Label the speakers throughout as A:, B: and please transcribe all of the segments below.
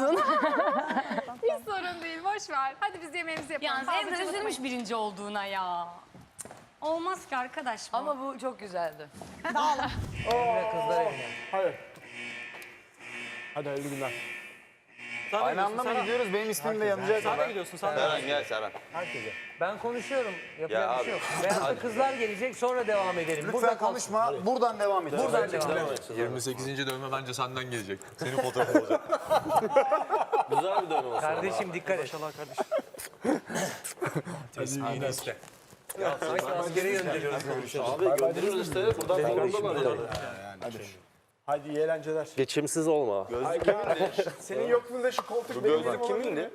A: olsun.
B: Hiç sorun değil, boş ver. Hadi biz yemeğimizi yapalım.
C: Yalnız
B: Fazla
C: Emre üzülmüş
B: çalışmayın.
C: birinci olduğuna ya. Cık, olmaz ki arkadaş bu.
D: Ama bu çok güzeldi.
E: Emre kızlar evine.
F: Hadi. Hadi hayırlı günler.
G: Aynı anda mı gidiyoruz? Benim ismim de yanacak.
F: Sen de gidiyorsun, sen de.
H: Serhan gel Serhan.
F: Herkese.
E: Ben konuşuyorum. Yapacak
H: Ya
E: bir şey
H: abi,
E: yok. Veyahut da kızlar gelecek sonra devam edelim.
G: Lütfen konuşma. Buradan devam et.
E: Buradan devam edelim.
I: 28. dövme bence senden gelecek. Senin fotoğrafın olacak.
F: Güzel bir dövme olsun.
E: Kardeşim dikkat et.
F: Maşallah kardeşim.
I: Tesbihini iste.
E: Ya sanki askere gönderiyoruz.
F: Abi gönderiyoruz işte. Buradan kavurdalar yani. Hadi. Hadi iyi eğlenceler.
J: Geçimsiz olma.
H: Gözlük kimindi?
G: Senin yokluğunda şu koltuk
H: Bu
G: benim
H: gözlük
G: elim
H: kimindi?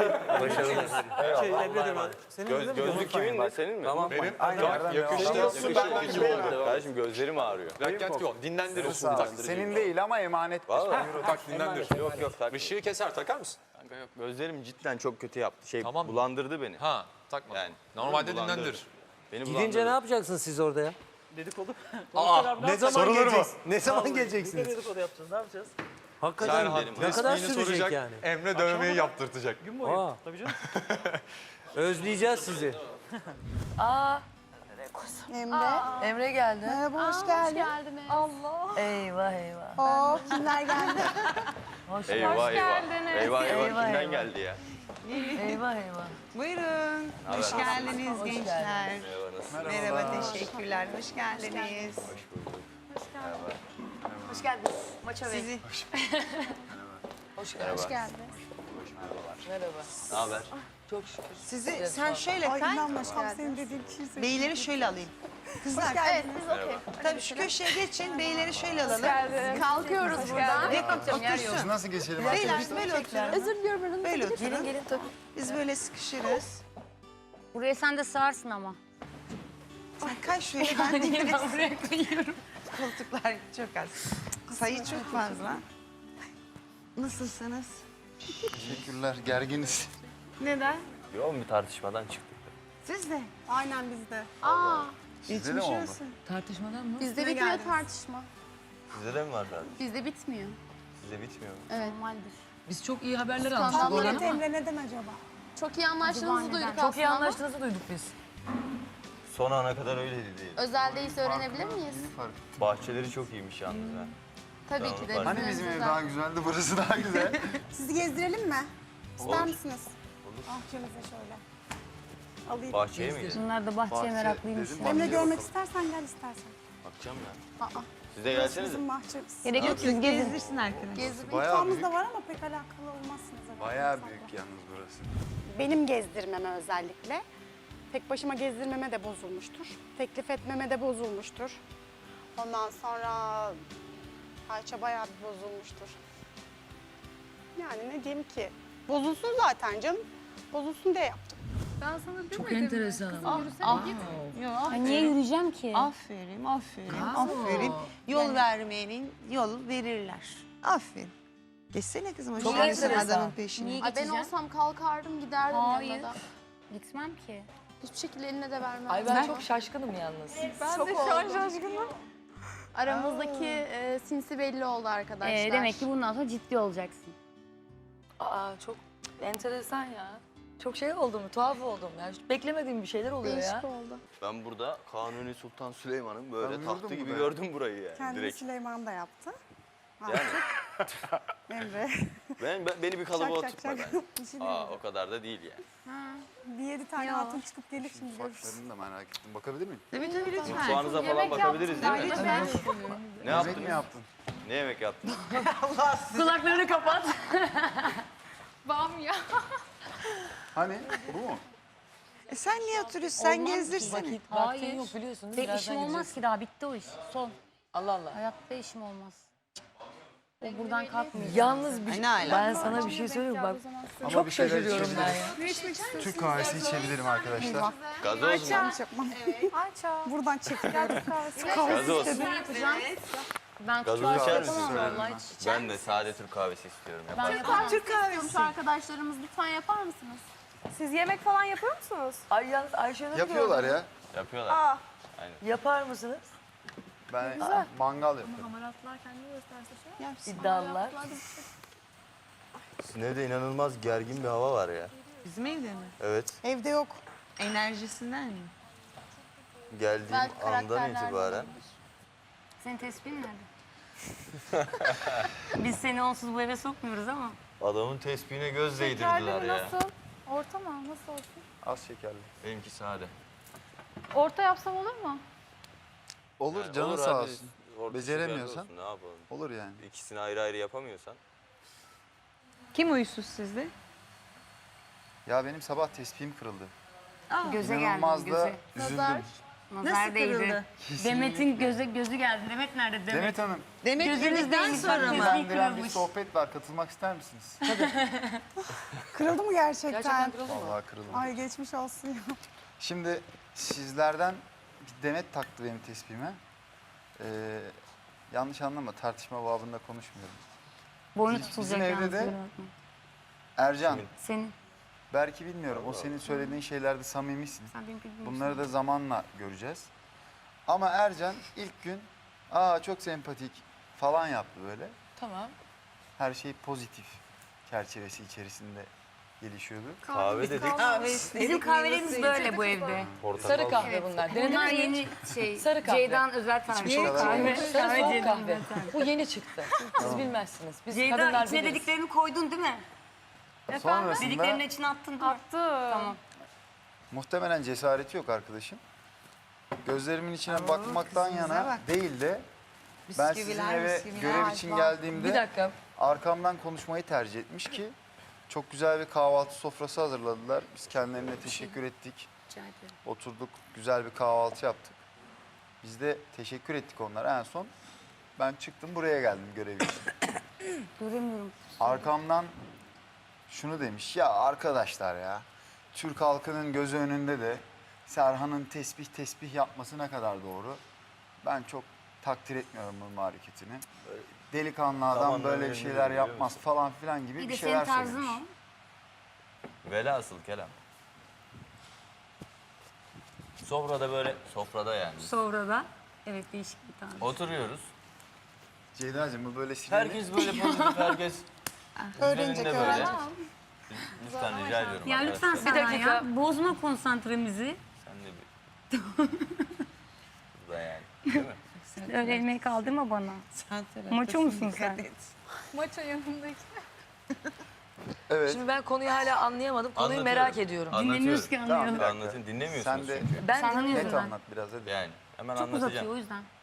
H: Gözlük kimindi? Senin mi? Tamam.
I: Benim
G: Senin yoksun benden gibi.
H: Kardeşim gözlerim ağrıyor.
I: Rakyat yok. Dinlendirir.
G: Senin değil ama emanet.
H: Vallahi.
I: Tak dinlendir.
H: Yok yok tak.
I: Işığı keser takar mısın?
H: Kanka yok. Gözlerim cidden çok kötü yaptı.
I: Tamam.
H: Bulandırdı beni.
I: Ha takma.
H: Yani.
I: Normalde
H: Bulandırdı.
I: dinlendirir.
H: Beni
E: Gidince
H: bulandırdı.
E: ne yapacaksınız siz orada ya?
F: Dedikodu.
E: Ne zaman geleceksiniz? Ne zaman geleceksiniz?
F: Dedikodu yapacağız. Ne yapacağız?
E: Hakikaten
H: Serhan,
E: ne kadar
I: resmini
E: sürecek
I: soracak,
E: yani?
I: Emre dövmeyi yaptırtacak.
F: Gün boyu.
E: Aa.
F: Tabii canım.
E: Özleyeceğiz sizi.
D: Emre geldi.
A: Merhaba, hoş geldin.
B: geldiniz.
D: Eyvah eyvah.
A: Oo, kimler geldi?
H: Eyvah eyvah.
B: geldiniz.
H: Eyvah eyvah.
D: Eyvah,
H: Kimden
D: eyvah.
H: geldi ya?
D: Eyvah eyvah.
K: Buyurun. Hoş geldiniz gençler.
H: Merhaba nasılsın?
K: Merhaba, teşekkürler. Hoş geldiniz.
D: Hoş geldiniz. Maça Bey.
K: Sizi
H: Merhaba.
D: Merhaba.
H: Ne haber?
D: Çok şükür.
K: sen şöyle
A: Ay
K: kay.
A: inanmıştım senin dediğin kişi.
K: Beyleri şöyle alayım. Kızlar.
B: Evet, biz okey.
K: Tabii şu köşeye geçin. Beyleri şöyle alalım.
B: Kalkıyoruz buradan.
K: Ve otursun.
G: Biz nasıl geçelim?
K: Beyler böyle oturun.
B: Özür diliyorum. Önünüze
K: Böyle
B: gidin.
K: oturun.
D: Gelin tabii.
K: Biz böyle sıkışırız.
C: Buraya sen de sığarsın ama.
K: Sen kay şöyle ben de
C: Niye ben buraya koyuyorum?
K: koltuklar çok az. Sayı çok fazla. Nasılsınız?
G: Teşekkürler. Gerginiz.
B: Neden?
H: Yoğun bir tartışmadan çıktık.
K: Siz de.
A: Aynen bizde.
G: Sizde de mi oldu?
D: Tartışmadan mı?
B: Bizde
K: Üstüne
B: bitmiyor
K: geldiniz.
B: tartışma.
H: Size de mi var abi?
B: Bizde bitmiyor.
H: Size bitmiyor mu?
B: Evet.
C: Normaldir.
D: Biz çok iyi haberler aldık.
B: Skandallar
A: Evet
B: ama.
A: Emre neden acaba?
B: Çok iyi anlaştığınızı duyduk aslında
D: Çok iyi
B: ama
D: anlaştığınızı duyduk biz.
H: Son ana kadar öyleydi değil.
B: özel değilse öğrenebilir miyiz?
H: Bahçeleri çok iyiymiş yalnız ha.
B: Tabii ki de.
H: Hani
G: Hani bizim ev daha güzeldi, burası daha güzel.
A: Sizi gezdirelim mi? İster
H: Olur.
A: misiniz? Bahçemize şöyle. Alayım.
H: Bahçeye mi gidelim?
C: Bunlar da bahçeye meraklıymış.
G: dedim,
A: Emre görmek istersen gel istersen.
H: Bakacağım ya.
A: Aa,
H: Siz de gelsenize.
A: bizim bahçemiz.
C: Gerek yok siz gezin.
K: Gezdirsin arkadaş.
A: Gezi
G: Bayağı
A: imkanımız
G: büyük.
A: da var ama pek alakalı olmazsınız. herhalde.
G: Bayağı büyük yalnız burası.
A: Benim gezdirmeme özellikle. Tek başıma gezdirmeme de bozulmuştur. Teklif etmeme de bozulmuştur. Ondan sonra Ayça bayağı bir bozulmuştur. Yani ne diyeyim ki? Bozulsun zaten canım. Bozulsun diye yaptım.
B: Ben sana demedim.
D: Çok enteresan ama.
C: Ay, niye yürüyeceğim ki?
K: Aferin, aferin, aferin. Yol vermeyenin yol verirler. Aferin. Geçsene kızım, hoş
D: Çok
K: geldin
D: enteresan.
K: adamın peşine.
C: Niye
B: Ay ben
C: geçeceğim?
B: olsam kalkardım giderdim
C: Hayır.
B: yanına da.
C: Gitmem ki.
B: Hiçbir şekilde eline de vermem.
D: Ay ben çok şaşkınım yalnız.
B: Ben de şu an şaşkınım. Aramızdaki sinsi belli oldu arkadaşlar.
C: Demek ki bundan sonra ciddi olacaksın.
D: Aa çok enteresan ya. Çok şey oldum, tuhaf oldum. Yani hiç beklemediğim bir şeyler oluyor
B: Değişik
D: ya.
B: oldu.
H: Ben burada Kanuni Sultan Süleyman'ın böyle
G: Ben
H: tahtı
G: gördüm
H: gibi
G: bunu.
H: gördüm burayı yani
A: Kendini
H: direkt.
A: Süleyman da yaptı. Ha,
H: Yani
A: Emre.
H: beni bir kalıba
A: Şak, şak,
H: oturtma
A: şak.
H: ben.
A: Bir şey
H: Aa
A: diyeyim.
H: o kadar da değil yani.
A: Bir 7 tane hatun çıkıp gelir şimdi görürüz.
G: Saçlarını da merak ettim. Bakabilir miyim?
K: Tabii tabii lütfen.
H: Mutfağınıza falan bakabiliriz değil mi?
B: Lütfen.
H: Ne
G: Yemek
H: yaptınız?
G: mi yaptın?
H: Ne yemek yaptın?
C: Kulaklarını kapat.
B: Bam ya.
G: Hani? Bu mu?
K: Sen niye oturuyorsun? Sen gezdirsene.
D: Vaktin
C: Hayır.
D: yok biliyorsun değil mi?
C: Benim
D: Birazdan
C: işim olmaz
D: gideceksin.
C: ki daha bitti o iş. Son.
D: Allah Allah.
C: Hayatta işim olmaz. O buradan kalkmayacak.
D: Yalnız bir
K: Ay, ne alaka?
D: ben sana bir şey söyleyeyim mi? Bak
G: Ama
D: çok
G: bir şeyler
D: şaşırıyorum ben
G: içebilirim.
D: ya.
G: Türk kahvesi içebilirim arkadaşlar.
H: Gazoz mu?
A: Buradan çekil.
H: Gazoz.
C: Ben
H: Gazoz
C: kahve
H: içer
C: yapamam
H: misin?
C: vallahi. Hiç.
H: Ben de sade Türk kahvesi istiyorum.
C: Ben
H: Yapar.
C: yapamam.
K: Türk kahvesi.
B: Şu arkadaşlarımız lütfen yapar mısınız?
A: Siz yemek falan yapıyor musunuz?
D: Ay yalnız Ayşe'nin
G: Yapıyorlar ya.
H: Yapıyorlar.
D: Yapar mısınız?
G: Ben mangal yapıyorum.
B: Hamaratlar kendini gösterse şey.
D: İddialılar.
F: Sizin evde inanılmaz gergin bir hava var ya.
K: Bizim evde mi?
F: Evet.
A: Evde yok.
K: Enerjisinden mi?
F: Geldiğim
B: Belki
F: andan
B: karakterler
F: itibaren.
C: Senin tespihin nerede? Biz seni onsuz bu eve sokmuyoruz ama.
F: Adamın tespihine göz değdirdiler
B: Şekerleri
F: ya.
B: nasıl? Orta mı? Nasıl olsun?
G: Az şekerli.
H: Benimki sade.
B: Orta yapsam olur mu?
G: Olur
F: Yani
G: canın
F: olur
G: sağ
F: abi,
G: olsun.
F: orta
G: Beceremiyorsan.
F: şekerli olsun, ne yapalım?
G: Olur yani.
F: İkisini ayrı ayrı yapamıyorsan.
K: Kim uysuz sizde?
G: Ya benim sabah tespihim kırıldı.
C: Göze
G: İnanılmaz
C: geldi,
G: da
C: göze.
G: üzüldüm.
B: Nazar.
C: Nazar değdi. Demet'in gözü geldi. Demet nerede?
G: Demet Hanım,
K: Demek gününüzden sonra mı?
G: ilgilendiren bir sohbet var. Katılmak ister misiniz?
A: Kırıldı mı gerçekten?
G: Vallahi kırıldı.
A: Ay geçmiş olsun ya.
G: Şimdi sizlerden bir Demet taktı benim tespihime. Yanlış anlama, tartışma babında konuşmuyorum.
C: Boynu
G: Bizim
C: tutulacak
G: evde
C: yalnız.
G: de-
C: kusura bakma.
G: Ercan,
C: Senin.
G: belki bilmiyorum. O senin söylediğin şeylerde samimisin.
C: Sen benim bilmiyorsun.
G: Bunları da zamanla göreceğiz. Ama Ercan ilk gün çok sempatik falan yaptı böyle.
D: Tamam.
G: Her şey pozitif çerçevesi içerisinde gelişiyordu.
F: Kahve dedik.
C: Bizim kahvelerimiz böyle bu evde.
F: Portakal.
D: Sarı kahve bunlar. Denedin
C: Bunlar
D: mi?
C: yeni şey.
D: Sarı kahve.
C: Ceyda'nın özel tarifi.
G: İçmiş kadar
C: Kahve.
G: olmuş.
D: Sarı soğuk
C: Ceyda'nın
D: kahve.
C: özel tarifi.
D: Bu yeni çıktı. Siz bilmezsiniz. Biz
C: Ceyda
D: kadınlar
C: içine
D: biliriz.
C: dediklerini koydun değil mi?
G: Sonrasında
C: Dediklerinin içine attın değil mi?
B: Attı.
C: Tamam.
G: muhtemelen cesareti yok arkadaşım. Gözlerimin içine bakmaktan
K: kızımıza
G: yana
K: bak.
G: değil de ben sizin
K: Bisküviler,
G: eve
K: bisküviler.
G: görev için
D: Bir
G: geldiğimde
D: dakika.
G: arkamdan konuşmayı tercih etmiş ki çok güzel bir kahvaltı sofrası hazırladılar. Biz kendilerine teşekkür ettik.
C: Rica ederim.
G: Oturduk, güzel bir kahvaltı yaptık. Biz de teşekkür ettik onlara. En son ben çıktım, buraya geldim görev için.
C: Göremiyorum.
G: Arkamdan şunu demiş, ya arkadaşlar ya, Türk halkının gözü önünde de Serhan'ın tesbih yapması ne kadar doğru. Ben çok takdir etmiyorum bunun hareketini. Böyle delikanlı adam
F: Zamanla
G: böyle bir
F: önemli
G: şeyler
F: biliyor
G: yapmaz
F: musun?
G: falan filan gibi
C: Bir
G: bir
C: de
G: şeyler
C: senin tarzın
G: söylemiş.
C: o.
H: Velhasıl kelam. Sofrada böyle, sofrada yani.
C: Sonra da evet değişik bir tarz.
H: Oturuyoruz.
G: Ceyda'cığım bu böyle sinirli.
H: Herkes böyle pozitif, herkes
A: Öğrenecek,
H: üzerinde böyle.
A: öğrenecek.
H: Lütfen rica ediyorum
C: Ya lütfen
H: arkadaşlar.
C: Serhan
D: dakika.
C: ya. Bozma konsantremizi.
H: Sen de bir... Burada yani. Değil mi?
C: Öyle elmeği kaldırma bana.
K: Sen
C: Maço musun sen?
B: Maço yanındaki.
G: Evet.
D: Şimdi ben konuyu hala anlayamadım. Konuyu
H: Anlatıyorum.
D: merak ediyorum.
C: Dinlemiyoruz ki
G: Tamam,
C: anlayalım.
G: bir dakika.
H: Anlatın, dinlemiyorsunuz
G: Sen de
H: çünkü.
D: Ben
C: Sen
D: dinliyorum.
G: net
C: anlıyorsun ben.
G: anlat biraz hadi.
H: Yani hemen
C: Çok uzatıyor
H: anlatacağım.
C: o yüzden.